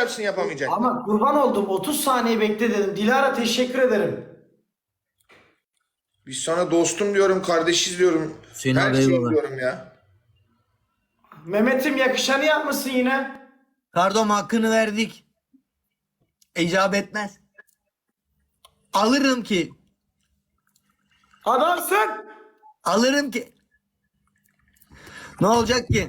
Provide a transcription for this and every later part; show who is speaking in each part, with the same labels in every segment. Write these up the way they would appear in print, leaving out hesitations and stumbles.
Speaker 1: yapsın yapamayacak.
Speaker 2: Ama kurban oldum 30 saniye bekle dedim. Dilara teşekkür ederim.
Speaker 1: Biz sana dostum diyorum, kardeşiz diyorum.
Speaker 3: Hüseyin
Speaker 1: Her
Speaker 3: abi,
Speaker 1: şeyi
Speaker 3: eyvallah.
Speaker 1: diyorum ya.
Speaker 2: Mehmet'im yakışanı yapmışsın yine.
Speaker 3: Pardon, hakkını verdik. İcap etmez. Alırım ki.
Speaker 2: Adamsın.
Speaker 3: Alırım ki. Ne olacak ki?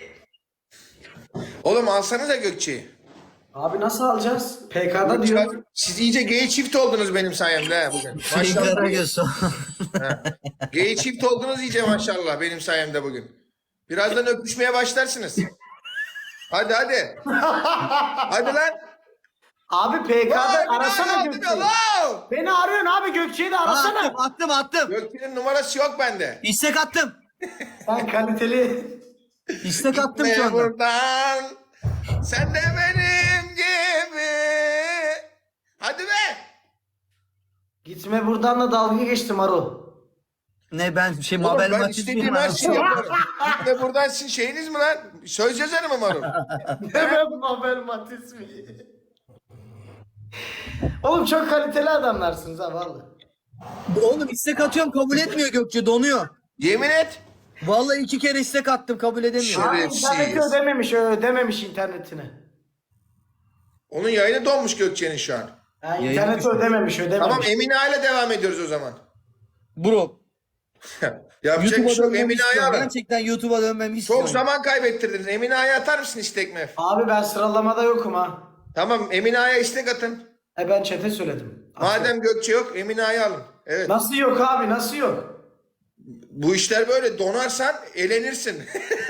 Speaker 1: Oğlum alsanıza Gökçe'yi.
Speaker 2: Abi nasıl alacağız? PK'da diyor.
Speaker 1: Siz iyice gay çift oldunuz benim sayemde ha bugün.
Speaker 3: Hüseyin
Speaker 1: Maşallah.
Speaker 3: Karagöz.
Speaker 1: Gay çift oldunuz iyice maşallah benim sayemde bugün. Birazdan öpüşmeye başlarsınız. Hadi hadi. Hadi lan.
Speaker 2: Abi PK'da
Speaker 1: Vay,
Speaker 2: arasana
Speaker 1: bir daha
Speaker 2: Gökçe'yi.
Speaker 1: yardım ya,
Speaker 2: Beni arıyorsun abi Gökçe'yi de arasana.
Speaker 3: Attım.
Speaker 1: Gökçe'nin numarası yok bende.
Speaker 3: İstek attım.
Speaker 2: Sen kaliteli.
Speaker 3: İstek attım
Speaker 1: Gitme
Speaker 3: şu anda.
Speaker 1: buradan. Sen de benim gibi. Hadi be.
Speaker 2: Gitme buradan da dalga geçtim Marul.
Speaker 3: Ne ben
Speaker 1: Oğlum
Speaker 3: Mabel
Speaker 1: ben
Speaker 3: Matiz
Speaker 1: istediğim
Speaker 3: miyim
Speaker 1: her
Speaker 3: abi?
Speaker 1: şeyi yaparım. Gitme buradan sizin şeyiniz mi lan? Söz yazarı mı Marul?
Speaker 2: Evet Mabel Matiz mi? Oğlum çok kaliteli adamlarsınız ha vallahi.
Speaker 3: Oğlum istek atıyorum, kabul etmiyor Gökçe, donuyor.
Speaker 1: Yemin et.
Speaker 3: Vallahi 2 kere istek attım, kabul edemiyor.
Speaker 2: Abi
Speaker 1: Şerefsiz.
Speaker 2: interneti ödememiş internetini.
Speaker 1: Onun yayını donmuş Gökçe'nin şu an.
Speaker 2: Yani
Speaker 3: Yayını
Speaker 2: interneti
Speaker 3: düşmüş.
Speaker 2: ödememiş.
Speaker 1: Tamam Emine ile devam ediyoruz o zaman.
Speaker 3: Bro,
Speaker 1: Yapacak bir
Speaker 3: YouTube'a
Speaker 1: şey yok.
Speaker 3: dönmemi
Speaker 1: Emine
Speaker 3: istiyorum.
Speaker 1: alın.
Speaker 3: Gerçekten YouTube'a dönmemi istiyorum.
Speaker 1: Çok zaman kaybettirdiniz. Emine atar mısın istek mef?
Speaker 2: Abi ben sıralamada yokum ha.
Speaker 1: Tamam Emine istek atın.
Speaker 2: Ben chat'e söyledim.
Speaker 1: Madem Gökçe yok Emine alın. Evet.
Speaker 2: Nasıl yok abi nasıl yok?
Speaker 1: Bu işler böyle donarsan elenirsin.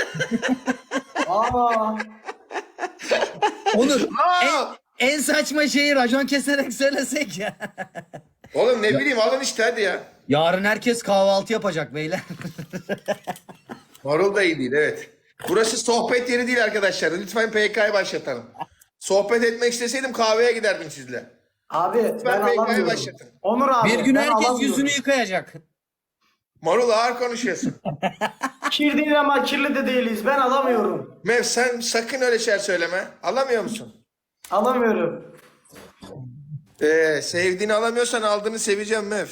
Speaker 2: Aa.
Speaker 3: Onur,
Speaker 1: Aa!
Speaker 3: en saçma şeyi racon keserek söylesek ya.
Speaker 1: Oğlum ne bileyim alın işte hadi ya.
Speaker 3: Yarın herkes kahvaltı yapacak beyler.
Speaker 1: Marul da iyi değil evet. Burası sohbet yeri değil arkadaşlar. Lütfen PK'yı başlatalım. Sohbet etmek isteseydim kahveye giderdim sizle.
Speaker 2: Abi ben
Speaker 1: PK'yı
Speaker 2: alamıyorum.
Speaker 1: başlatın.
Speaker 2: Onur abi.
Speaker 3: Bir gün
Speaker 2: ben
Speaker 3: herkes
Speaker 2: alamıyorum.
Speaker 3: yüzünü yıkayacak.
Speaker 1: Marul ağır konuşuyorsun.
Speaker 2: Kir değil ama kirli de değiliz. Ben alamıyorum.
Speaker 1: Mev sen sakın öyle şeyler söyleme. Alamıyor musun?
Speaker 2: Alamıyorum.
Speaker 1: Sevdiğini alamıyorsan aldığını seveceğim Mev.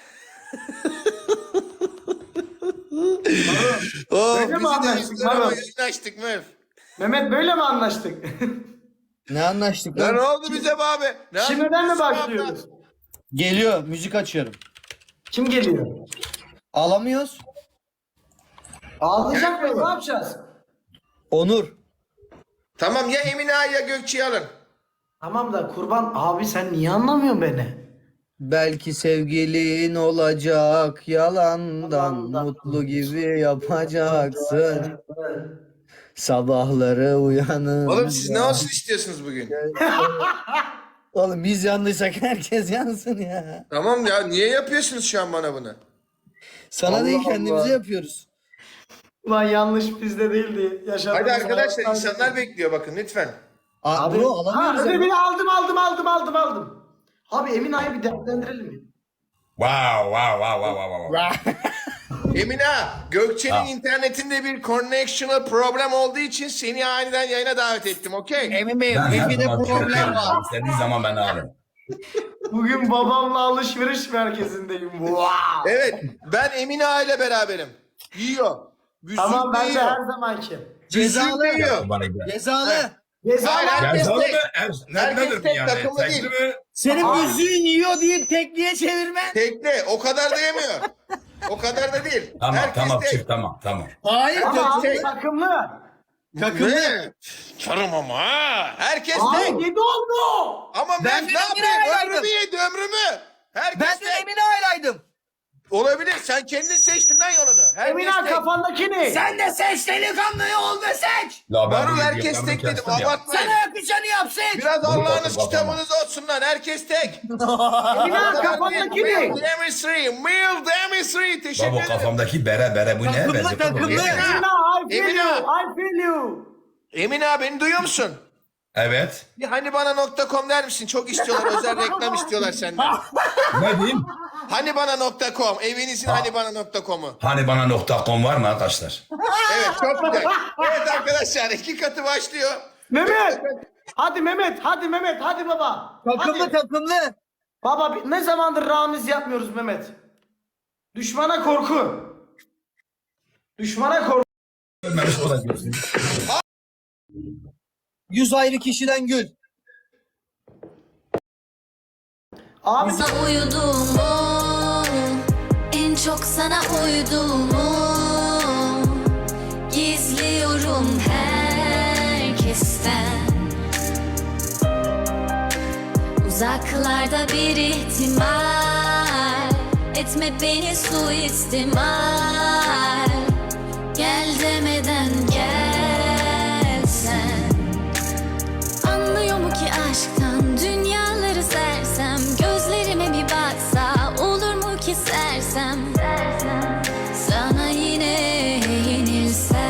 Speaker 1: Oh,
Speaker 2: Böyle mi
Speaker 1: bizi de
Speaker 2: anlaştık,
Speaker 1: üzdün ama
Speaker 2: Marul?
Speaker 1: yayın açtık Mev.
Speaker 2: Mehmet böyle mi anlaştık?
Speaker 3: Ne anlaştık
Speaker 1: Ya
Speaker 3: lan?
Speaker 1: ne oldu bize be abi? Ne
Speaker 2: Şimdiden mi
Speaker 1: yapıyorsun
Speaker 2: başlıyoruz?
Speaker 3: Geliyor, müzik açıyorum.
Speaker 2: Kim geliyor?
Speaker 3: Alamıyoruz.
Speaker 2: Ağlayacak mıyız? Ne yapacağız?
Speaker 3: Onur.
Speaker 1: Tamam ya Emine ya Gökçe'yi alın.
Speaker 2: Tamam da kurban abi sen niye anlamıyorsun beni?
Speaker 3: Belki sevgilin olacak, yalandan mutlu gibi yapacaksın. Sabahları uyanın.
Speaker 1: Oğlum siz ne olsun istiyorsunuz bugün?
Speaker 3: Oğlum biz yandıysak herkes yansın ya.
Speaker 1: Tamam ya niye yapıyorsunuz şu an bana bunu?
Speaker 3: Sana
Speaker 2: Allah
Speaker 3: değil, kendimize
Speaker 2: Allah.
Speaker 3: yapıyoruz.
Speaker 2: Ulan yanlış bizde değildi. Yaşadığımız
Speaker 1: Hadi arkadaşlar
Speaker 2: hayatlar-
Speaker 1: insanlar bekliyor bakın lütfen.
Speaker 3: Abi, bro alamıyoruz.
Speaker 2: Ha,
Speaker 3: ya.
Speaker 2: ödevini aldım. Abi Emin Ay'ı bir değerlendirelim mi?
Speaker 4: Wow.
Speaker 1: Emine Gökçe'nin internetinde bir connectional problem olduğu için seni aniden yayına davet ettim okey?
Speaker 3: Emin Bey,
Speaker 4: Ben her
Speaker 3: Wifi'de
Speaker 4: zaman
Speaker 3: problem
Speaker 4: Türkiye'yim.
Speaker 3: var.
Speaker 4: İstediğin zaman beni ararım.
Speaker 2: Bugün babamla alışveriş merkezindeyim. Wow.
Speaker 1: Evet ben Emine ile beraberim. Yiyor. Büzük
Speaker 2: Tamam ben de
Speaker 1: yiyor.
Speaker 2: her zamanki.
Speaker 3: Cezalı.
Speaker 1: Büzük yiyor.
Speaker 4: Bana gider.
Speaker 3: Cezalı.
Speaker 2: Ceza
Speaker 1: Hayır,
Speaker 2: var.
Speaker 1: herkes
Speaker 4: Cezalı
Speaker 1: tek.
Speaker 4: mı?
Speaker 1: Herkes
Speaker 4: Nedir
Speaker 1: tek,
Speaker 4: yani?
Speaker 1: takımlı
Speaker 4: Tekli
Speaker 1: değil.
Speaker 4: mi?
Speaker 3: Senin
Speaker 2: Aa.
Speaker 3: müziğin yiyor deyip tekliğe çevirmen.
Speaker 1: Tekli o kadar da yemiyor. O kadar da değil.
Speaker 4: Tamam
Speaker 1: herkes
Speaker 4: tamam
Speaker 1: tek.
Speaker 4: çift tamam.
Speaker 3: Hayır,
Speaker 2: Ama abi
Speaker 1: tek.
Speaker 2: takımlı.
Speaker 3: takımlı.
Speaker 1: Ne? Karım ama ha. Herkes tek.
Speaker 2: Abi 7 oldu.
Speaker 1: Ama
Speaker 3: Ben
Speaker 1: ben
Speaker 3: de
Speaker 1: ne
Speaker 3: Emine
Speaker 1: yapayım?
Speaker 3: aylaydım.
Speaker 1: Ömrümü yedi ömrümü. Herkes
Speaker 3: Ben de
Speaker 1: tek.
Speaker 3: Emine aylaydım.
Speaker 1: Olabilir. Sen kendin seçtin lan yolunu. Herkes
Speaker 2: Emin Ay
Speaker 1: tek.
Speaker 2: kafandaki ne?
Speaker 3: Sen de seç delikanlıyı ol ve seç.
Speaker 4: La ben
Speaker 1: Marul
Speaker 4: bu
Speaker 1: herkes
Speaker 4: videolarını
Speaker 1: tek dedim.
Speaker 4: kestim ya.
Speaker 1: Abartmayın.
Speaker 3: Sana yakışanı yap, seç.
Speaker 1: Biraz
Speaker 4: Bunu
Speaker 1: Allah'ınız
Speaker 4: bakın,
Speaker 1: kitabınız olsun lan. Herkes tek.
Speaker 2: Emin Ay kafandaki ne?
Speaker 1: Male Demisri. Male Demisri. Teşekkür
Speaker 4: Baba
Speaker 1: ederim.
Speaker 4: kafamdaki bere bu ne?
Speaker 3: Takımlı,
Speaker 4: Benziyor
Speaker 3: takımlı.
Speaker 4: bu ne?
Speaker 2: Emin Ay I feel
Speaker 1: Emin
Speaker 2: you.
Speaker 1: Ay.
Speaker 2: I feel you.
Speaker 1: Emine abi beni duyuyor musun?
Speaker 4: Evet.
Speaker 1: Bir hani bana .com der misin? Çok istiyorlar. Özel reklam istiyorlar senden.
Speaker 4: Ne diyeyim?
Speaker 1: Hani bana .com. Evinizin hani bana .com'u.
Speaker 4: Hani bana .com var mı arkadaşlar?
Speaker 1: Evet çok güzel. Evet arkadaşlar 2 katı başlıyor.
Speaker 2: Mehmet. Hadi Mehmet, hadi Mehmet, hadi baba.
Speaker 3: Takımlı
Speaker 2: Hadi.
Speaker 3: takımlı.
Speaker 2: Baba ne zamandır Ramiz yapmıyoruz Mehmet. Düşmana korku. Düşmana korku.
Speaker 4: Görmemiş olabilirsin.
Speaker 3: 100 ayrı kişiden gül.
Speaker 2: Abi
Speaker 5: Sana uyuduğumu, en çok sana uyuduğumu gizliyorum herkesten. Uzaklarda bir ihtimal, etme beni suistimal. Gel demeden gelsen. Anlıyor mu ki aşktan dünyaları sersem, gözlerime bir baksa olur mu ki sersem, sana yine yenilsem.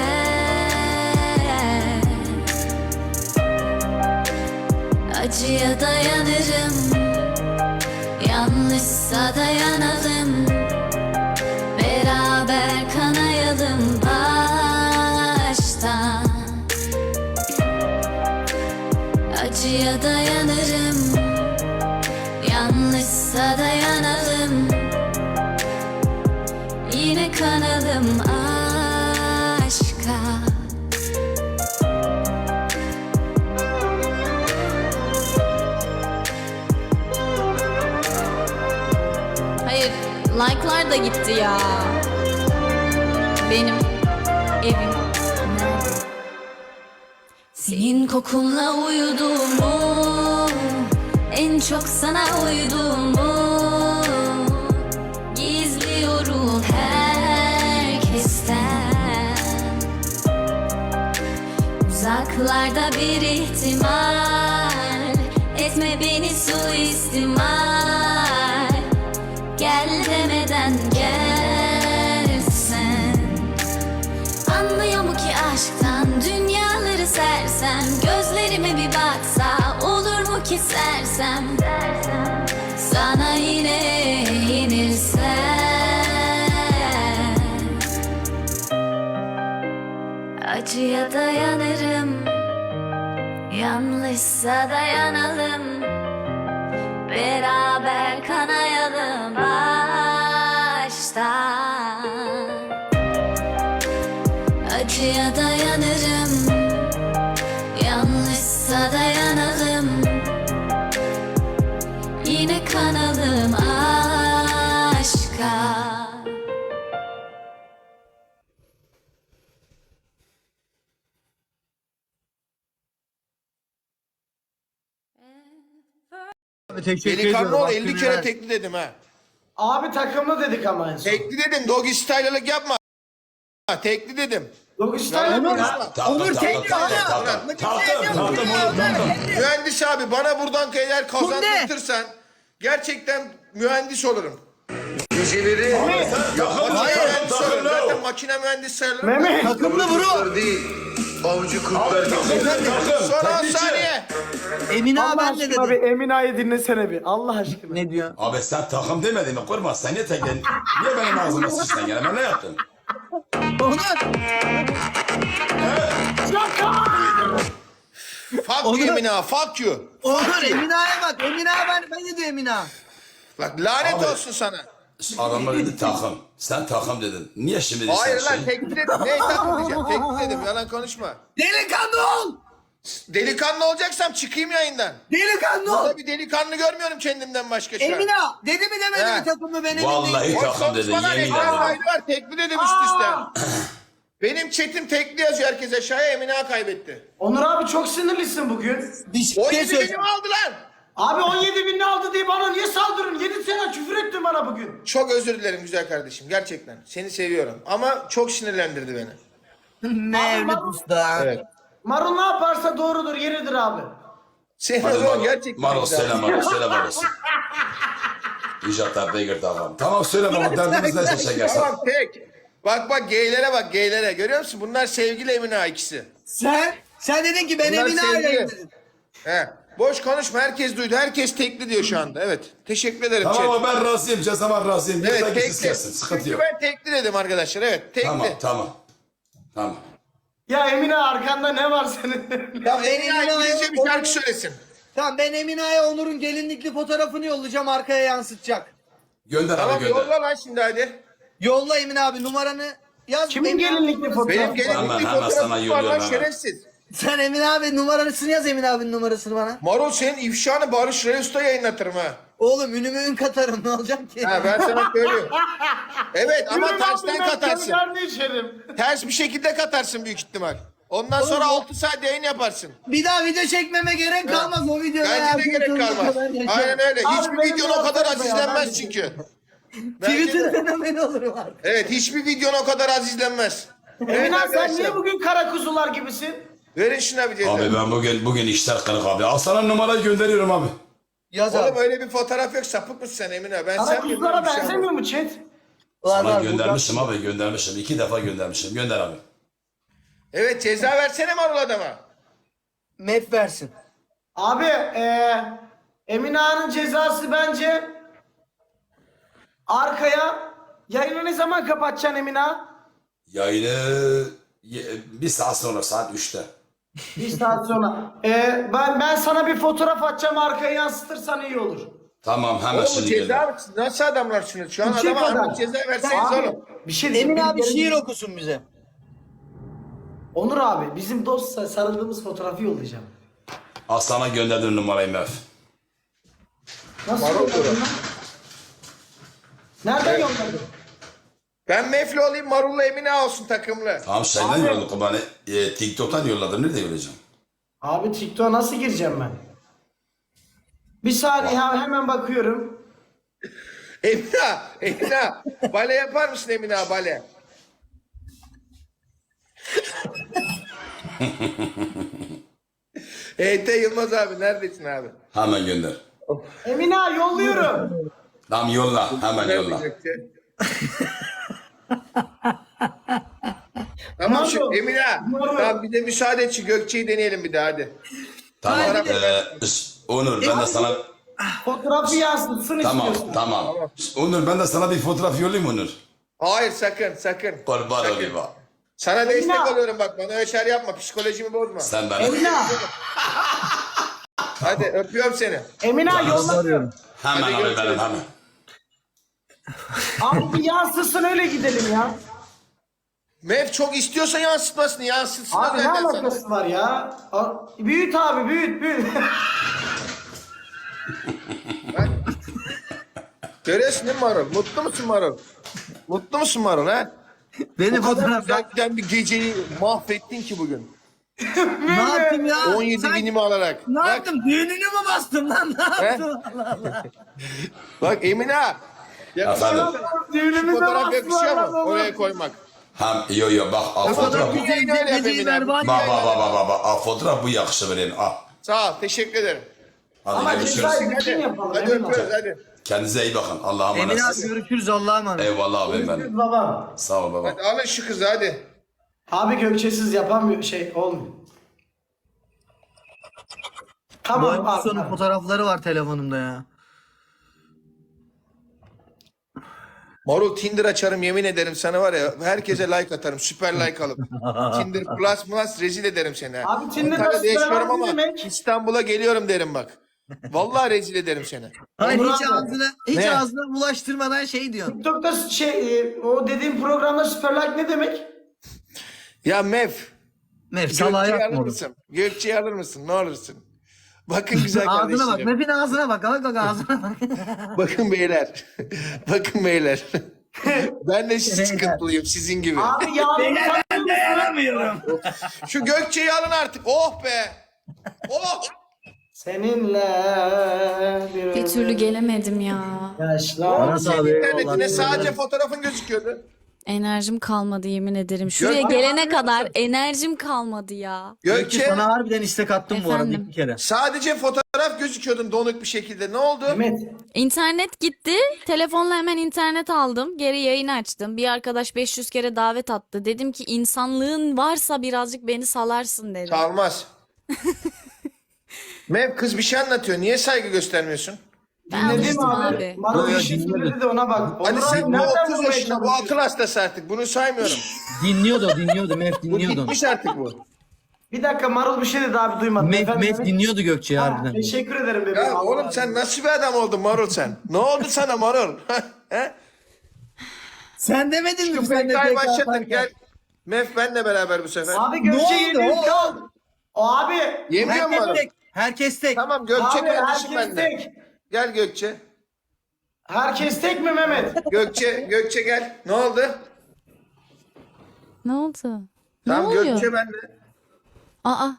Speaker 5: Acıya dayanırım, yanlışsa dayanalım, beraber kanayalım baştan. Acıya dayanırım, yanlışsa dayanalım, yine kanalım aşka. Hayır, like'lar da gitti ya. Benim evim nerede? Senin kokunla uyuduğumu, en çok sana uyuduğumu gizliyorum herkesten. Uzaklarda bir ihtimal, etme beni suistimal. Gel demeden gelsen. Anlıyor mu ki aşktan dünyaları sersem, gözlerime bir baksa olur mu ki sersem, sana yine yenilsem. Acıya dayanırım, yanlışsa dayanalım, beraber kanayalım baştan. Acıya dayanırım, yanlışsa dayanalım, yine kanalım aşka.
Speaker 3: Teşekkür
Speaker 1: Delikanlı
Speaker 3: ediyorum.
Speaker 1: ol 50
Speaker 3: hakkını
Speaker 1: kere
Speaker 3: ver.
Speaker 1: tekli dedim ha.
Speaker 2: abi takımlı dedik ama en son.
Speaker 1: Tekli dedim. Doggy style'lık yapma. Tekli dedim.
Speaker 2: Dokuşlarla
Speaker 3: Onur,
Speaker 2: mı?
Speaker 3: Onur tekli hala.
Speaker 1: Mühendis abi bana buradan eğer kazandırtırsan gerçekten mühendis olurum. Geceleri mühendis olurum. Zaten makine mühendis sayılırım.
Speaker 2: Mehmet.
Speaker 3: Takımlı bro.
Speaker 6: değil. Avcı kurtlar gibi.
Speaker 1: Son 10 saniye.
Speaker 3: Emine
Speaker 2: Allah
Speaker 3: abi ne
Speaker 2: aşkına
Speaker 3: dedi?
Speaker 2: bir Emina'yı dinlesene bir. Allah aşkına.
Speaker 3: Ne diyor?
Speaker 7: Abi sen takım demedin mi? Kurma sen niye teklen? Niye benim ağzıma sıçtın gene? Ben ne yaptım?
Speaker 3: Onur.
Speaker 1: Fuck
Speaker 3: Onu-
Speaker 1: you Emine, fuck you.
Speaker 3: Onur Emine'ye bak. Emine ben ne diyor Emine?
Speaker 1: Bak lanet
Speaker 7: Abi.
Speaker 1: olsun sana.
Speaker 7: Adamlar dedi takım. Sen takım dedin. Niye şimdi
Speaker 1: Hayır
Speaker 7: sen
Speaker 1: lan tekli dedim. Ne takım diyeceğim? Tekli dedim. Yalan konuşma.
Speaker 3: Delikanlı ol.
Speaker 1: Delikanlı olacaksam çıkayım yayından.
Speaker 3: Delikanlı ol.
Speaker 1: Burada bir delikanlı görmüyorum kendimden başka şu an.
Speaker 3: Emine dedi mi demedi
Speaker 1: He.
Speaker 3: mi takımlı benim?
Speaker 7: Vallahi
Speaker 1: Boş
Speaker 7: takım dedin.
Speaker 1: konuşmadan
Speaker 7: Yemin
Speaker 1: ekran
Speaker 7: ederim.
Speaker 1: kaydı var. Tekli dedim üst üste. Benim chatim tekli yazıyor herkes aşağıya. Emine Ağa kaybetti.
Speaker 2: Onur abi çok sinirlisin bugün.
Speaker 3: Bir şey
Speaker 1: 17
Speaker 3: söyle.
Speaker 1: binimi aldılar.
Speaker 2: Abi 17 bin ne aldı diye bana niye saldırın? 7 sene küfür ettin bana bugün.
Speaker 1: Çok özür dilerim güzel kardeşim. Gerçekten. Seni seviyorum. Ama çok sinirlendirdi beni.
Speaker 3: Ne evli usta.
Speaker 1: Evet.
Speaker 2: Marul ne yaparsa doğrudur, yeridir abi.
Speaker 1: Seni o
Speaker 7: Hadi
Speaker 1: zaman
Speaker 7: Maro.
Speaker 1: gerçekten
Speaker 7: Maro
Speaker 1: güzel.
Speaker 7: selam Maro. Selam Maro. İcat beygir tamam. Tamam söyle baba derdimiz ne şekersen.
Speaker 1: Tamam tek. Bak geylere bak geylere. Görüyor musun? Bunlar sevgili Emine Ağa ikisi.
Speaker 3: Sen dedin ki ben
Speaker 1: Bunlar
Speaker 3: Emine
Speaker 1: sevgili.
Speaker 3: aileyim dedin.
Speaker 1: He. Boş konuşma. Herkes duydu. Herkes tekli diyor şu anda. Evet. Teşekkür ederim.
Speaker 7: Tamam
Speaker 1: chat.
Speaker 7: ama ben razıyım. Cezama razıyım.
Speaker 1: Evet
Speaker 7: Lütfen
Speaker 1: tekli.
Speaker 7: kişisiz gelsin. Sıkıntı
Speaker 1: Çünkü
Speaker 7: yok.
Speaker 1: ben tekli dedim arkadaşlar. Evet tekli.
Speaker 7: Tamam.
Speaker 2: Ya Emine arkanda ne var senin?
Speaker 1: Ya Emine İngilizce bir şarkı söylesin.
Speaker 3: Tamam ben Emine'ye Onur'un gelinlikli fotoğrafını yollayacağım, arkaya yansıtacak.
Speaker 7: Gönder abi
Speaker 1: Tamam
Speaker 7: gönder.
Speaker 1: yolla lan şimdi hadi.
Speaker 3: Yolla Emine abi, numaranı yaz.
Speaker 2: Kimin
Speaker 3: Emine abi
Speaker 2: gelinlikli
Speaker 3: numarasını-
Speaker 1: Benim
Speaker 2: fotoğraf?
Speaker 1: gelinlikli
Speaker 7: Hemen sana
Speaker 1: fotoğrafım var
Speaker 7: yolluyorum
Speaker 1: lan
Speaker 7: hemen.
Speaker 1: şerefsiz.
Speaker 3: Sen Emine abi numarasını yaz, Emine abinin numarasını bana.
Speaker 1: Marul senin ifşanı Barış Reus'ta yayınlatırım ha.
Speaker 3: Oğlum ünümü ün katarım, ne olacak ki?
Speaker 1: Ha ben sana söylüyorum. Evet ama
Speaker 2: Yürü lan
Speaker 1: tersten
Speaker 2: ben
Speaker 1: katarsın.
Speaker 2: kendilerini içerim.
Speaker 1: Ters bir şekilde katarsın büyük ihtimal. Ondan sonra 6 saat yayın yaparsın.
Speaker 3: Bir daha video çekmeme gerek kalmaz o videoda.
Speaker 1: Bence de gerek kalmaz. Aynen öyle.
Speaker 2: Abi
Speaker 1: Hiçbir
Speaker 2: benim
Speaker 1: videon o kadar
Speaker 2: yaptığım
Speaker 1: az
Speaker 2: ya,
Speaker 1: izlenmez
Speaker 2: ben-
Speaker 1: çünkü. Bence
Speaker 3: Twitter
Speaker 1: de.
Speaker 3: fenomeni olurum artık.
Speaker 1: Evet hiçbir videon o kadar az izlenmez. Evet
Speaker 2: Emine sen
Speaker 1: arkadaşlar.
Speaker 2: niye bugün kara kuzular gibisin?
Speaker 1: Verin şuna bir ceza.
Speaker 7: Abi ben bugün işler kırık abi. Al sana numarayı gönderiyorum abi.
Speaker 3: Yaz
Speaker 1: Oğlum
Speaker 3: abi.
Speaker 1: öyle bir fotoğraf yok. Sapık mısın sen Emine? Ben
Speaker 2: Kara
Speaker 1: sen
Speaker 2: kuzulara
Speaker 1: bir şey
Speaker 2: benzemiyor mu chat?
Speaker 3: Var,
Speaker 7: Sana
Speaker 3: var,
Speaker 7: göndermişim abi göndermişim. 2 defa göndermişim. Gönder abi.
Speaker 1: Evet ceza versene Marul adama.
Speaker 3: Map versin.
Speaker 2: Abi Emine Ağa'nın cezası bence arkaya yayını ne zaman kapatacaksın Emine Ağa?
Speaker 7: Yayını bir saat sonra saat 3'te.
Speaker 2: Bir saat sonra. Ben sana bir fotoğraf atacağım, arkaya yansıtırsan iyi olur.
Speaker 7: Tamam hemen
Speaker 1: Oğlum
Speaker 7: şimdi gelirim.
Speaker 1: ceza nasıl adamlarsınız? Şu an
Speaker 2: İki
Speaker 1: adama
Speaker 2: kadar.
Speaker 1: anlık ceza verseniz
Speaker 2: Abi,
Speaker 1: oğlum.
Speaker 2: bir şey diyeyim.
Speaker 3: Emine abi
Speaker 2: Benim-
Speaker 3: şiir okusun bize.
Speaker 2: Onur abi bizim dostla sarıldığımız fotoğrafı yollayacağım.
Speaker 7: Al sana gönderdim numarayı Mef.
Speaker 2: Nasıl
Speaker 1: Marul
Speaker 2: yolladın lan? Nereden yolladın?
Speaker 1: Ben Mefli olayım Marul'la Emine olsun takımlı.
Speaker 7: Tamam şeyden yolladım bana. TikTok'tan yolladım. Nerede yollayacağım?
Speaker 2: Abi TikTok'a nasıl gireceğim ben? Bir saniye hemen bakıyorum.
Speaker 1: Emine, bale yapar mısın Emine bale? Yılmaz abi neredesin abi?
Speaker 7: Hemen gönder.
Speaker 2: Emine Ağa yolluyorum.
Speaker 7: Tamam yolla. Hemen yolla.
Speaker 1: Tamam
Speaker 2: Marul,
Speaker 1: şu Emine.
Speaker 2: Marul.
Speaker 1: Tamam bir de müsaade et şu Gökçe'yi deneyelim bir daha hadi.
Speaker 7: Tamam.
Speaker 1: Hadi.
Speaker 7: Onur ben de sana...
Speaker 2: Fotoğrafı yansıtsın
Speaker 7: Tamam
Speaker 2: istiyorsun.
Speaker 7: tamam. Onur ben de sana bir fotoğraf yollayayım Onur.
Speaker 1: Hayır sakın.
Speaker 7: Kurban
Speaker 1: Sakın.
Speaker 7: olayım bak.
Speaker 1: Sana
Speaker 2: Emine.
Speaker 1: destek oluyorum bak bana öyle şeyler yapma psikolojimi bozma.
Speaker 7: Sen beni...
Speaker 2: Emine Ağa.
Speaker 1: Hadi öpüyorum seni.
Speaker 2: Emine Ağa yolla.
Speaker 7: Hemen
Speaker 1: Hadi
Speaker 7: abi
Speaker 1: görüşürüz.
Speaker 7: benim hemen.
Speaker 2: Abi bir yansıtsın öyle gidelim ya.
Speaker 1: Mev çok istiyorsa yansıtmasın yansıtsın.
Speaker 2: Abi ne
Speaker 1: zaten sana.
Speaker 2: alakası var ya? Büyüt abi büyüt.
Speaker 1: Görüyorsun değil mi Marul? Mutlu musun Marul? Mutlu musun Marul ha?
Speaker 3: Beni
Speaker 1: O kadar
Speaker 3: fotoğraf
Speaker 1: güzel giden bir geceyi mahvettin ki bugün.
Speaker 3: Ne yaptım ya?
Speaker 1: 17
Speaker 3: Sen-
Speaker 1: binimi alarak.
Speaker 3: Ne
Speaker 1: Bak,
Speaker 3: yaptım? Düğününü mü bastım lan? Ne yaptım?
Speaker 1: bak Emine.
Speaker 7: Efendim.
Speaker 2: Düğünümüze
Speaker 1: Fotoğraf yakışıyor
Speaker 2: bastılar
Speaker 1: mu? Oraya koymak.
Speaker 7: Yo bak al fotoğraf.
Speaker 1: Bir yayın öyle yap
Speaker 3: Geceyi
Speaker 1: Emine.
Speaker 3: berbat
Speaker 7: Bak al fotoğraf bu yakışır benim al.
Speaker 1: Sağ ol teşekkür ederim.
Speaker 7: Hadi
Speaker 2: Ama
Speaker 7: görüşürüz.
Speaker 2: cezayı bütün yapalım.
Speaker 1: Hadi
Speaker 2: Emine Ağa.
Speaker 1: öpüyoruz hadi.
Speaker 7: Kendinize iyi bakın. Allah'a
Speaker 3: Emine abi
Speaker 7: emanetsiniz.
Speaker 3: görüşürüz, Allah'a emanet.
Speaker 7: Eyvallah abim benim.
Speaker 2: Babam.
Speaker 7: Sağ ol baba.
Speaker 1: Hadi alın şu kızı hadi.
Speaker 2: Abi Gökçesiz yapamıyor olmuyor.
Speaker 3: Bu
Speaker 2: Tamam
Speaker 3: hafta
Speaker 2: abi.
Speaker 3: sonu fotoğrafları var telefonumda ya.
Speaker 1: Marul Tinder açarım yemin ederim sana var ya herkese like atarım süper like alıp. Tinder plus rezil ederim seni. ha.
Speaker 2: Abi Tinder'da
Speaker 1: Antalya'da
Speaker 2: süper
Speaker 1: yaşıyorum
Speaker 2: like
Speaker 1: ama
Speaker 2: ne demek?
Speaker 1: İstanbul'a geliyorum derim bak. Vallahi rezil ederim seni.
Speaker 3: Hayır
Speaker 2: Onur
Speaker 3: hiç
Speaker 2: abi.
Speaker 3: ağzına
Speaker 1: Ne?
Speaker 3: ağzına bulaştırmadan şey diyorsun.
Speaker 2: TikTok'ta o dediğim programda süper like ne demek?
Speaker 1: Ya Mev.
Speaker 3: Mef salağa
Speaker 1: Gökçe'yi alır
Speaker 3: yapma.
Speaker 1: mısın? Gökçe'yi alır mısın? Ne olursun. Bakın güzel
Speaker 3: Ağzına bak.
Speaker 1: kardeşlerim.
Speaker 3: Mef'in ağzına bak. Bak ağzına bak.
Speaker 1: Bakın beyler. Bakın beyler. Ben de sıkıntılıyım sizin gibi.
Speaker 2: Abi yağmur
Speaker 3: Dayanamıyorum.
Speaker 1: Şu Gökçe'yi alın artık. Oh be. Oh.
Speaker 2: seninle
Speaker 5: Bir türlü gelemedim ya.
Speaker 2: yaşlar.
Speaker 3: Aras abi.
Speaker 1: İnternetine sadece fotoğrafın gözüküyordu.
Speaker 5: Enerjim kalmadı yemin ederim. Şuraya gelene kadar enerjim kalmadı ya.
Speaker 3: Gökçe
Speaker 1: Gökçe
Speaker 3: sana harbiden istek attım bu arada
Speaker 5: Efendim?
Speaker 3: bir kere.
Speaker 1: sadece fotoğraf gözüküyordun donuk bir şekilde. Ne oldu?
Speaker 2: Mehmet.
Speaker 5: İnternet gitti. Telefonla hemen internet aldım. Geri yayın açtım. Bir arkadaş 500 kere davet attı. Dedim ki insanlığın varsa birazcık beni salarsın dedi.
Speaker 1: Çalmaz. Mev kız bir şey anlatıyor. Niye saygı göstermiyorsun?
Speaker 5: Ben
Speaker 2: Dinledin
Speaker 5: alıştım
Speaker 2: mi abi?
Speaker 5: abi.
Speaker 2: Marul bir
Speaker 4: Yok,
Speaker 2: şey
Speaker 4: dinledim.
Speaker 2: söyledi de ona bak.
Speaker 1: Hadi
Speaker 2: Onur
Speaker 1: sen
Speaker 2: abi
Speaker 1: bu
Speaker 2: nereden
Speaker 1: 30
Speaker 2: bulmaya
Speaker 1: yaşında bu
Speaker 2: çalışıyorsun?
Speaker 1: akıl hastası artık. Bunu saymıyorum.
Speaker 4: Dinliyordu Mef
Speaker 1: Bu
Speaker 4: dinliyordu.
Speaker 1: bitmiş artık bu.
Speaker 2: Bir dakika Marul bir şey dedi abi duymadım.
Speaker 4: Mef
Speaker 2: Efendim?
Speaker 4: dinliyordu Gökçe'yi
Speaker 2: Ha,
Speaker 4: harbiden.
Speaker 2: teşekkür ederim bebeğim.
Speaker 1: Ya
Speaker 2: Allah
Speaker 1: oğlum
Speaker 2: razı
Speaker 1: sen
Speaker 2: olsun.
Speaker 1: nasıl bir adam oldun Marul sen? Ne oldu sana Marul? He?
Speaker 3: Sen demedin mi
Speaker 1: Şu
Speaker 3: sen de
Speaker 1: PK'yı
Speaker 3: PK
Speaker 1: başlatın
Speaker 3: atarken?
Speaker 1: gel. Mef benle beraber bu sefer.
Speaker 2: Abi Gökçe
Speaker 3: Ne oldu
Speaker 2: yeniyor.
Speaker 3: oğlum?
Speaker 2: Kal. O abi.
Speaker 1: Yemiyor mu
Speaker 3: Herkes
Speaker 1: Marul?
Speaker 3: tek. Herkes tek.
Speaker 1: Tamam Gökçe
Speaker 2: Abi
Speaker 1: kardeşim
Speaker 2: herkes
Speaker 1: bende.
Speaker 2: tek.
Speaker 1: Gel Gökçe.
Speaker 2: Herkes tek mi Mehmet?
Speaker 1: Gökçe gel. Ne oldu?
Speaker 5: Ne oldu? Ne
Speaker 1: Tamam
Speaker 5: oluyor?
Speaker 1: Gökçe bende.
Speaker 5: Aa,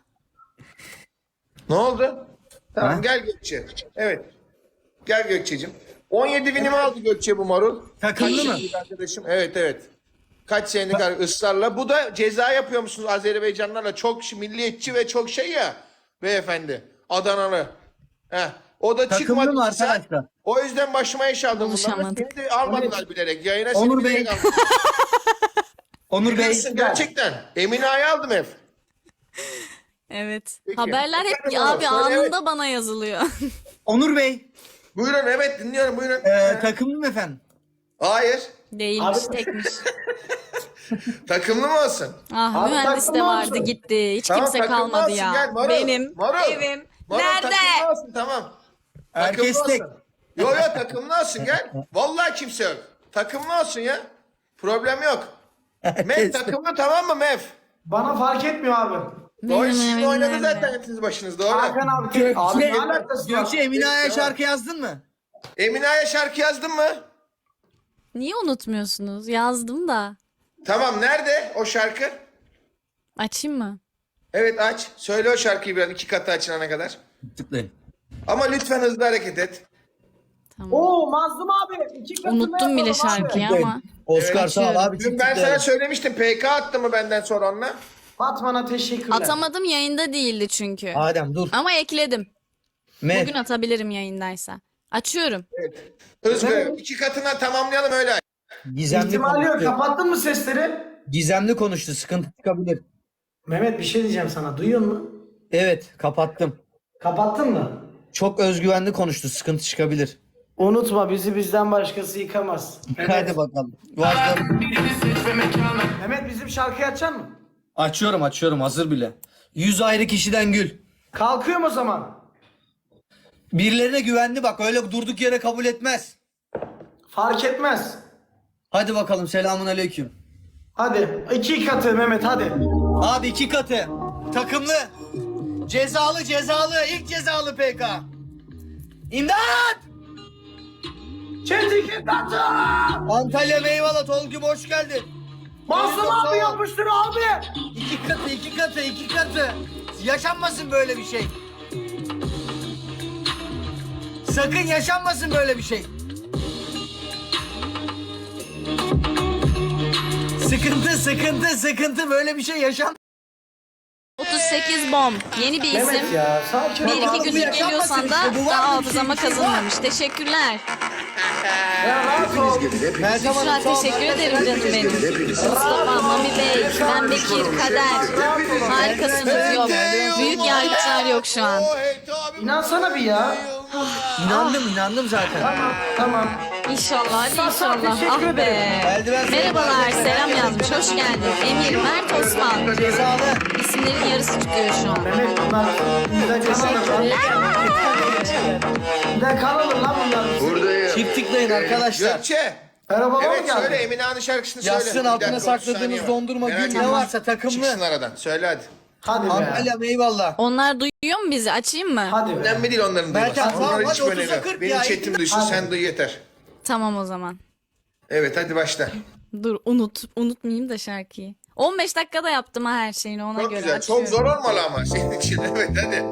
Speaker 1: Ne oldu? Tamam
Speaker 4: Ha?
Speaker 1: gel Gökçe. Evet. Gel Gökçe'cim. 17 binimi aldı Gökçe bu Marul.
Speaker 3: Takımlı
Speaker 1: Kaç
Speaker 3: mı?
Speaker 1: senelik arkadaşım? Evet. Kaç senelik ısrarla. Bu da ceza yapıyor musunuz Azerbaycanlarla? Çok milliyetçi ve çok şey ya beyefendi. Adanalı. Heh. O da
Speaker 3: Takımlı
Speaker 1: çıkmadı.
Speaker 3: mı
Speaker 1: Sen-
Speaker 3: arkadaşlar?
Speaker 1: O yüzden başıma iş aldım bunlarla.
Speaker 5: Buluşamadık.
Speaker 1: Seni de almadılar bilerek. Yayına
Speaker 3: Onur
Speaker 1: seni bilerek
Speaker 3: Bey.
Speaker 1: aldım.
Speaker 3: Onur Bey.
Speaker 1: Biliyorsun gerçekten. Emine Ağa'yı aldım hep.
Speaker 5: evet.
Speaker 1: Peki.
Speaker 5: Haberler hep
Speaker 1: Efendim
Speaker 5: abi
Speaker 1: Onur, söyle,
Speaker 5: anında bana yazılıyor.
Speaker 3: Onur Bey.
Speaker 1: Buyurun evet dinliyorum buyurun.
Speaker 3: Takımlı mı efendim?
Speaker 1: Hayır.
Speaker 5: Değilmiş,
Speaker 2: Abi-
Speaker 5: tekmiş.
Speaker 1: Takımlı mı olsun?
Speaker 5: Ah,
Speaker 2: Abi
Speaker 5: mühendis de
Speaker 2: takımlı
Speaker 5: vardı
Speaker 2: olsun.
Speaker 5: gitti. Hiç
Speaker 1: Tamam,
Speaker 5: kimse
Speaker 1: takımlı
Speaker 5: kalmadı
Speaker 1: olsun,
Speaker 5: ya.
Speaker 1: gel Marul.
Speaker 5: Benim
Speaker 1: Marul.
Speaker 5: evim.
Speaker 1: Marul,
Speaker 5: Nerede?
Speaker 1: takımlı olsun tamam.
Speaker 3: Herkes
Speaker 1: Takımlı
Speaker 3: tek.
Speaker 1: olsun. Yo takımlı olsun gel. Vallahi kimse yok. Takımlı olsun ya. Problem yok. Mef takımlı tamam mı Mef?
Speaker 2: Bana fark etmiyor abi.
Speaker 1: Doğru
Speaker 5: Benim
Speaker 1: sizin
Speaker 5: evim
Speaker 1: oynadı
Speaker 5: nerede?
Speaker 1: zaten hepiniz başınız doğru.
Speaker 2: Hakan abi tek. Abi ne
Speaker 3: Gökçe,
Speaker 2: alakası var?
Speaker 3: Gökçe Emine Ağa'ya şarkı yazdın mı?
Speaker 1: Emine Ağa'ya şarkı yazdın mı?
Speaker 5: Niye unutmuyorsunuz? Yazdım da.
Speaker 1: Tamam nerede o şarkı?
Speaker 5: Açayım mı?
Speaker 1: Evet aç. Söyle o şarkıyı biraz 2 katı açılana kadar.
Speaker 4: Tıklayın.
Speaker 1: Ama lütfen hızlı hareket et.
Speaker 5: Tamam.
Speaker 2: Oo Mazlum abi. 2 katını
Speaker 5: Unuttum bile
Speaker 2: yapalım abi.
Speaker 5: şarkıyı ama.
Speaker 4: Oscar sağ ol
Speaker 5: Açıyorum.
Speaker 4: abi.
Speaker 1: Dün ben sana söylemiştim PK attı mı benden sonra onunla?
Speaker 2: Fatma'na teşekkürler.
Speaker 5: Atamadım, yayında değildi çünkü.
Speaker 4: Adem dur.
Speaker 5: Ama ekledim.
Speaker 4: Mef.
Speaker 5: Bugün atabilirim yayındaysa. Açıyorum.
Speaker 1: Hızlı 2 katına tamamlayalım öyle.
Speaker 4: Gizemli
Speaker 2: İhtimali yok.
Speaker 4: konuştu.
Speaker 2: Kapattın mı sesleri?
Speaker 4: Gizemli konuştu. Sıkıntı çıkabilir.
Speaker 2: Mehmet bir şey diyeceğim sana. Duyuyor musun?
Speaker 4: Evet kapattım.
Speaker 2: Kapattın mı?
Speaker 4: Çok özgüvenli konuştu. Sıkıntı çıkabilir.
Speaker 2: Unutma bizi bizden başkası yıkamaz.
Speaker 4: Hadi bakalım. Başlayalım.
Speaker 2: Mehmet bizim şarkıyı açar mı?
Speaker 4: Açıyorum hazır bile. 100 ayrı kişiden gül.
Speaker 2: Kalkıyorum o zaman.
Speaker 4: Birilerine güvendi bak öyle durduk yere kabul etmez.
Speaker 2: Fark etmez.
Speaker 4: Hadi bakalım selamun aleyküm.
Speaker 2: Hadi 2 katı Mehmet hadi.
Speaker 4: Abi 2 katı. Takımlı. Cezalı ilk cezalı PK. İmdat!
Speaker 2: Çet 2 katı.
Speaker 4: Antalya Meyvala Tolgum hoş geldin.
Speaker 2: Mazlum abi yapıştır abi.
Speaker 4: 2 katı. Yaşanmasın böyle bir şey. Sakın yaşanmasın böyle bir şey. Sıkıntı böyle bir şey yaşan.
Speaker 5: 38 bomb. Yeni bir isim.
Speaker 2: Mehmet ya sakin ol.
Speaker 5: Bir iki
Speaker 2: abi.
Speaker 5: gündür
Speaker 4: yaşanmasın
Speaker 5: geliyorsan da
Speaker 4: işte, bu var
Speaker 5: daha
Speaker 4: mı bir şey,
Speaker 5: hafızama
Speaker 4: bir şey var.
Speaker 5: kazınmamış. Teşekkürler.
Speaker 2: Ya rahat ol.
Speaker 4: Meltem
Speaker 5: Büşra
Speaker 4: Hanım, sağ ol.
Speaker 5: teşekkür ederim canım benim. Mustafa, Mami Bey, Ben Bekir, Kader. Harikasınız yok. Büyük yargıçlar yok şu an.
Speaker 2: İnansana bir ya.
Speaker 4: İnandım zaten.
Speaker 2: Tamam.
Speaker 5: İnşallah, hadi inşallah.
Speaker 2: teşekkür
Speaker 5: Ah be.
Speaker 4: Eldiven
Speaker 5: Merhabalar, selam yazmış. Hoş geldin. Emir, Mert, Osman.
Speaker 4: Cezalı.
Speaker 5: İsimlerin yarısı çıkıyor şu an.
Speaker 2: Mehmet bunlar bizden kanalır lan. Bizden kanalır lan bunlar.
Speaker 6: Buradayım.
Speaker 4: Çift tıklayın arkadaşlar.
Speaker 1: Gökçe.
Speaker 2: Merhaba baba
Speaker 1: Evet
Speaker 2: geldi.
Speaker 1: söyle Emine Ağa'nın şarkısını söyle.
Speaker 4: Yazsın
Speaker 1: Bir
Speaker 4: altına
Speaker 1: dakika, 30
Speaker 4: sakladığınız
Speaker 1: saniye var.
Speaker 4: dondurma
Speaker 1: Merak
Speaker 4: gül ne
Speaker 1: etme.
Speaker 4: varsa takımlı.
Speaker 1: Çıksın aradan. Söyle hadi.
Speaker 2: Hadi be.
Speaker 4: Antalya eyvallah.
Speaker 5: Onlar duyuyor mu bizi? Açayım mı?
Speaker 2: Hadi be.
Speaker 1: Önemli değil onların
Speaker 4: Meltem,
Speaker 1: duyması.
Speaker 4: tamam,
Speaker 1: Onların
Speaker 4: hadi
Speaker 1: hiç önemi
Speaker 4: 30'a
Speaker 1: yok.
Speaker 4: 40
Speaker 1: Benim
Speaker 4: ya,
Speaker 1: chatim duysun
Speaker 2: hadi.
Speaker 1: sen duy yeter.
Speaker 5: Tamam o zaman.
Speaker 1: Evet hadi başla.
Speaker 5: Dur unutmayayım da şarkıyı. 15 dakikada yaptım ha her şeyini ona
Speaker 1: Çok
Speaker 5: göre
Speaker 1: güzel.
Speaker 5: açıyorum.
Speaker 1: Çok zor olmalı ama senin için. Evet hadi.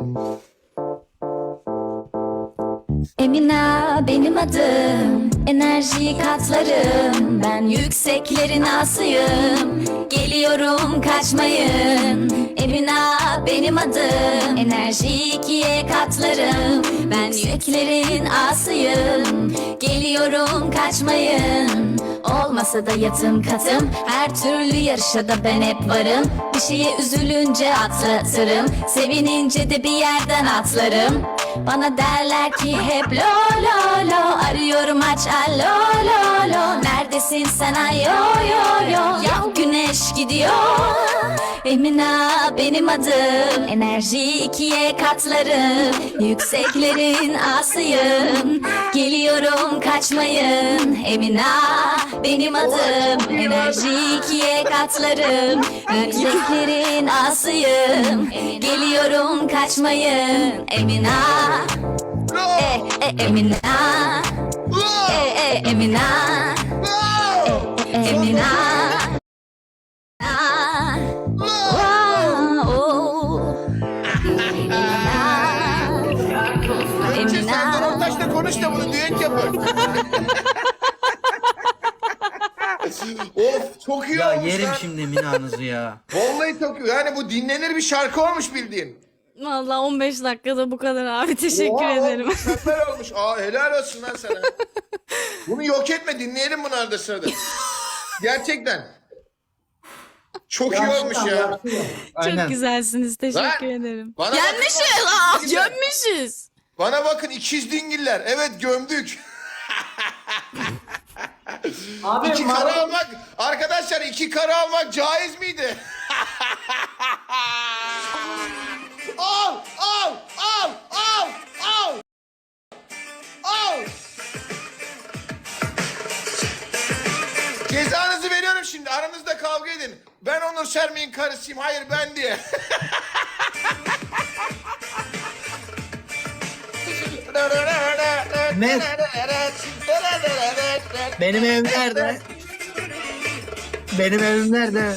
Speaker 8: Emina benim adım, enerji katlarım. Ben yükseklerin asıyım, geliyorum kaçmayın. Emina benim adım, enerji ikiye katlarım. Ben yükseklerin asıyım, geliyorum kaçmayın. Olmasa da yatım katım, her türlü yarışa da ben hep varım. Bir şeye üzülünce atlatırım, sevinince de bir yerden atlarım. Bana derler ki hep lo lo lo. Arıyorum aç alo lo lo. Neredesin sen ay yo yo yo. Ya güneş gidiyor. Emina benim adım. Enerji ikiye katlarım. Yükseklerin asıyım. Geliyorum kaçmayın. Emina benim adım. Enerji ikiye katlarım. Yükseklerin asıyım. Geliyorum kaçmayın. Emina Emina Emina Emina
Speaker 1: Önce Serdar Ortaç'la konuş da bunu düet yapın. Of çok iyi
Speaker 4: Ya
Speaker 1: olmuş
Speaker 4: yerim
Speaker 1: lan.
Speaker 4: şimdi Mina'nızı ya.
Speaker 1: Vallahi çok iyi. Yani bu dinlenir bir şarkı olmuş bildiğin.
Speaker 5: Vallahi 15 dakikada bu kadar abi. Teşekkür
Speaker 1: Oha,
Speaker 5: ederim.
Speaker 1: Mükemmel olmuş. Aa, helal olsun lan sana. Bunu yok etme, dinleyelim bunu arada sırada. Gerçekten. Çok iyi olmuş ya.
Speaker 4: Aynen.
Speaker 5: Çok güzelsiniz. Teşekkür
Speaker 1: Lan,
Speaker 5: ederim.
Speaker 1: bana
Speaker 5: Gelmişiz.
Speaker 1: bakın,
Speaker 5: Gömmüşüz.
Speaker 1: Bana bakın ikiz dingiller. Evet gömdük.
Speaker 2: Abi
Speaker 1: İki karı almak, arkadaşlar iki karı almak caiz miydi? Al, al, al, al, al. Al. Cezanızı veriyorum şimdi. Aranızda kavga edin. Ben Onur Sermi'nin karısıyım. Hayır ben diye.
Speaker 4: Ne? Benim evim nerede? Benim evim nerede?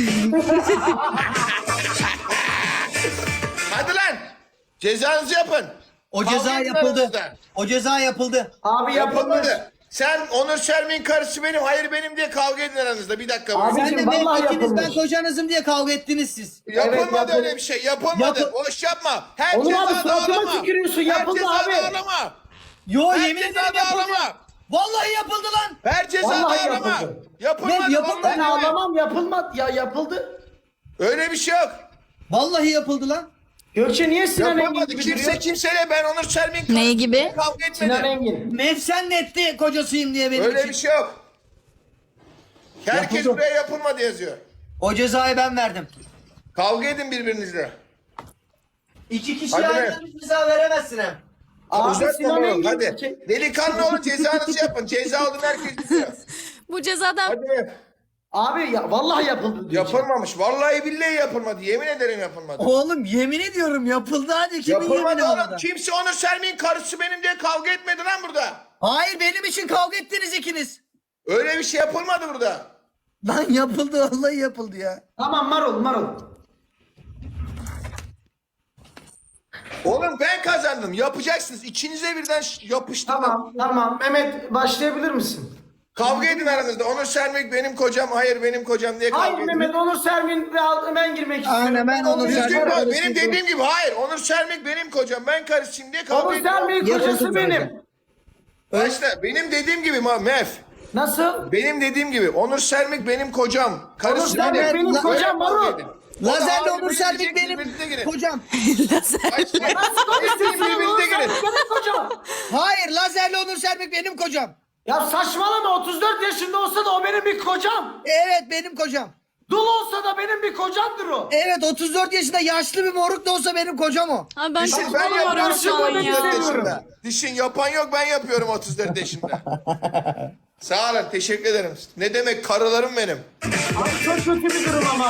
Speaker 1: Hadi lan. Cezanızı yapın.
Speaker 3: O
Speaker 1: Kavga
Speaker 3: ceza
Speaker 1: edin
Speaker 3: yapıldı.
Speaker 1: aranızda.
Speaker 3: O ceza yapıldı.
Speaker 2: Abi yapılmış.
Speaker 1: Yapılmadı. Sen Onur Sermi'nin karısı benim, hayır benim diye kavga edin aranızda. Bir dakika.
Speaker 2: Abi,
Speaker 1: boyunca.
Speaker 3: Sen de
Speaker 2: Abicim, vallahi
Speaker 3: ikiniz ben
Speaker 2: yapılmış.
Speaker 3: kocanızım diye kavga ettiniz siz.
Speaker 1: Yapılmadı
Speaker 2: yapıldı.
Speaker 1: öyle bir şey. Yapılmadı.
Speaker 3: Yapı-
Speaker 1: Boş yapma. Her
Speaker 2: Onur abi,
Speaker 1: cezada
Speaker 2: suratıma
Speaker 1: ağlama.
Speaker 2: tükürüyorsun.
Speaker 1: Her
Speaker 2: Yapıldı
Speaker 1: cezada
Speaker 2: abi.
Speaker 1: ağlama.
Speaker 3: Yo
Speaker 1: Her
Speaker 3: yemin ederim
Speaker 1: cezada
Speaker 3: yapıldı.
Speaker 1: ağlama.
Speaker 3: Vallahi yapıldı lan.
Speaker 1: Her cezada
Speaker 2: Vallahi
Speaker 1: ağlama.
Speaker 2: yapıldı.
Speaker 1: Yapılmadı.
Speaker 3: Ne, yapılmadı?
Speaker 2: Ben
Speaker 1: vallahi.
Speaker 2: ağlamam, yapılmadı. Ya yapıldı.
Speaker 1: Öyle bir şey yok.
Speaker 3: Vallahi yapıldı lan.
Speaker 2: Gökçe niye Sinan Engin
Speaker 1: Yapılmadı.
Speaker 2: gibi
Speaker 1: Kimse
Speaker 2: duruyor?
Speaker 1: kimseyle ben Onur Sermi'nin
Speaker 5: Ne gibi?
Speaker 1: kavga
Speaker 2: Sinan
Speaker 1: etmedi.
Speaker 2: Engin.
Speaker 3: Nefsen netti kocasıyım diye benim
Speaker 1: Öyle
Speaker 3: için.
Speaker 1: bir şey yok. Herkes
Speaker 3: Yapıldı.
Speaker 1: buraya yapılmadı yazıyor.
Speaker 3: O cezayı ben verdim.
Speaker 1: Kavga edin birbirinizle.
Speaker 3: İki kişi
Speaker 1: Hadi
Speaker 3: aynı
Speaker 1: be.
Speaker 3: anda ceza veremezsin hem.
Speaker 2: Abi
Speaker 1: Uzatma
Speaker 2: Sinan
Speaker 1: oğlum,
Speaker 2: Engin.
Speaker 1: hadi. Delikanlı olun, cezanızı yapın. Ceza olun, herkes biliyor.
Speaker 5: Bu cezadan
Speaker 1: Hadi.
Speaker 2: Abi ya, vallahi yapıldı diyor.
Speaker 1: Yapılmamış. Vallahi billahi yapılmadı. Yemin ederim yapılmadı.
Speaker 3: Oğlum yemin ediyorum yapıldı hadi kimin
Speaker 1: Yapılmadı
Speaker 3: yemini
Speaker 1: oğlum.
Speaker 3: orada?
Speaker 1: Kimse Onur Sermi'nin karısı benim diye kavga etmedi lan burada.
Speaker 3: Hayır benim için kavga ettiniz ikiniz.
Speaker 1: Öyle bir şey yapılmadı burada.
Speaker 3: Lan yapıldı vallahi yapıldı ya.
Speaker 2: Tamam Marul.
Speaker 1: Oğlum ben kazandım. Yapacaksınız. İkinize birden yapıştırdım.
Speaker 2: Tamam. Mehmet başlayabilir misin?
Speaker 1: Kavga edin aranızda. Onur Sermik benim kocam, hayır benim kocam diye kavga
Speaker 2: Hayır
Speaker 1: edin.
Speaker 2: Mehmet, Onur Sermin ve ben girmek istiyorum.
Speaker 3: Aynen, ben Onur
Speaker 1: Düzgün
Speaker 3: Sermin-
Speaker 1: konuş. Benim dediğim gibi hayır. Onur Sermik benim kocam. Ben karısıyım diye kavga
Speaker 2: Onur
Speaker 1: edin.
Speaker 2: Sermin
Speaker 3: Yapıldı
Speaker 2: kocası
Speaker 3: zaten.
Speaker 2: benim.
Speaker 1: Başla. Benim dediğim gibi Mef.
Speaker 2: Nasıl?
Speaker 1: Benim dediğim gibi Onur Sermik benim kocam.
Speaker 2: Onur
Speaker 1: Karısı
Speaker 2: Sermin
Speaker 3: Sermik
Speaker 2: benim
Speaker 3: la-
Speaker 2: kocam
Speaker 1: Kavga
Speaker 2: Marul.
Speaker 1: edin.
Speaker 3: Lazerle
Speaker 1: O da
Speaker 3: Onur
Speaker 1: ağzını
Speaker 3: Sermik
Speaker 1: bilecek,
Speaker 3: benim
Speaker 1: birbirinize girin.
Speaker 3: kocam.
Speaker 1: Başla.
Speaker 2: Nasıl konuşuyorsun? Onur
Speaker 1: Birbirinize
Speaker 2: Sermin
Speaker 1: girin.
Speaker 2: benim kocam.
Speaker 3: Hayır lazerle Onur Sermik benim kocam.
Speaker 2: Ya saçmalama, 34 yaşında olsa da o benim bir kocam.
Speaker 3: Evet benim kocam.
Speaker 2: Dul olsa da benim bir kocamdır o.
Speaker 3: Evet 34 yaşında yaşlı bir moruk da olsa benim kocam o.
Speaker 5: Abi ben
Speaker 1: Düşün,
Speaker 5: çok
Speaker 1: ben
Speaker 5: bulamıyorum
Speaker 1: yapıyorum
Speaker 5: şu an
Speaker 1: 34
Speaker 5: ya.
Speaker 1: yaşında. Düşün, yapan yok, ben yapıyorum 34 yaşında. Sağ olun, teşekkür ederim. Ne demek, karılarım benim.
Speaker 2: Abi çok kötü bir durum ama.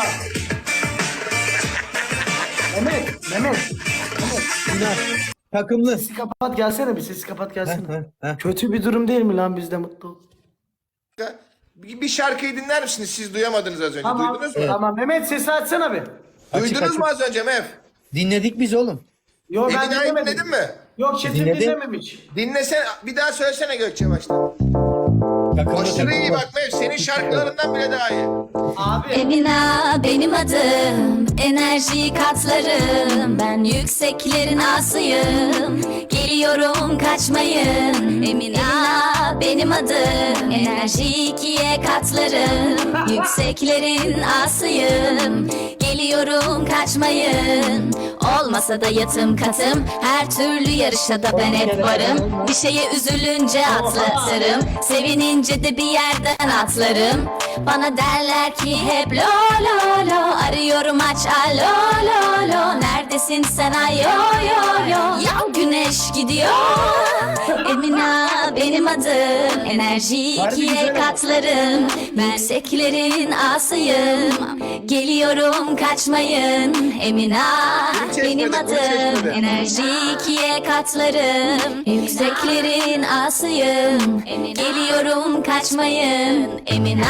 Speaker 2: Mehmet.
Speaker 3: Takımlı.
Speaker 2: Sesi kapat gelsene, bir sesi kapat gelsene. Kötü bir durum değil mi lan, biz de mutlu ol.
Speaker 1: Bir şarkıyı dinler misiniz? Siz duyamadınız az önce.
Speaker 2: Tamam.
Speaker 1: Duydunuz mu?
Speaker 2: Tamam Mehmet, sesi açsana bir.
Speaker 1: Duydunuz mu az önce Mef?
Speaker 3: Dinledik biz oğlum.
Speaker 2: Yo ben
Speaker 1: Emina'yı
Speaker 2: dinlemedim.
Speaker 1: dinledin mi?
Speaker 2: Yok Çetin
Speaker 3: Dinledim.
Speaker 2: dinlememiş.
Speaker 1: Dinlesene, bir daha söylesene Gökçe baştan. Aşırı iyi bak Mef, senin şarkılarından bile daha iyi.
Speaker 2: Abi.
Speaker 8: Emina benim adım. Enerji katlarım. Ben yükseklerin asıyım. Geliyorum kaçmayın. Emina benim adım. Enerji ikiye katlarım. Yükseklerin asıyım. Geliyorum kaçmayın. Olmasa da yatım katım. Her türlü yarışa da ben hep varım. Bir şeye üzülünce atlatırım. Sevinince de bir yerden atlarım. Bana derler ki hep lo lo lo. Arıyorum aç alo lo lo. Neredesin sen ay yo yo yo. Ya güneş gidiyor. Emina benim adım. Enerji ikiye katlarım. Yükseklerin asıyım. Geliyorum kaçmayın. Emina benim adım. Enerji ikiye katlarım. Yükseklerin asıyım. Geliyorum kaçmayın. Emina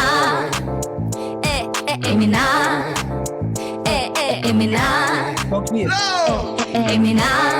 Speaker 8: Emina Emina Emina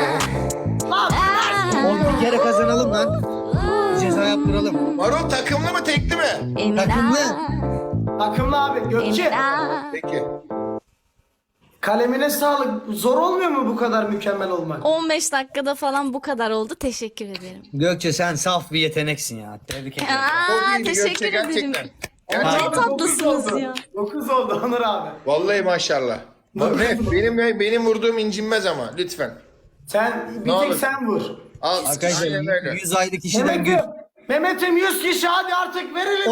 Speaker 3: Oğlum bir kere kazanalım lan. Ceza yaptıralım.
Speaker 1: Marul takımlı mı tekli mi?
Speaker 3: Takımlı.
Speaker 2: Takımlı abi. Gökçe.
Speaker 1: Peki.
Speaker 2: Kalemine sağlık. Zor olmuyor mu bu kadar mükemmel olmak?
Speaker 5: 15 dakikada falan bu kadar oldu. Teşekkür ederim.
Speaker 3: Gökçe sen saf bir yeteneksin ya. Tebrik ederim.
Speaker 5: Aa,
Speaker 1: iyiydi
Speaker 5: teşekkür
Speaker 1: Gökçe,
Speaker 5: ederim.
Speaker 1: gerçekten.
Speaker 5: Ne
Speaker 1: Gerçekten.
Speaker 5: tatlısınız ya.
Speaker 2: 9 oldu Onur abi.
Speaker 1: Vallahi maşallah. Benim vurduğum incinmez ama lütfen.
Speaker 2: Sen bir
Speaker 1: Ne
Speaker 2: tek
Speaker 1: olur.
Speaker 2: sen vur.
Speaker 1: Al.
Speaker 3: Arkadaşlar
Speaker 1: Aynen öyle.
Speaker 3: 100 aylık işiden
Speaker 2: Mehmet'im 100 kişi hadi artık verelim.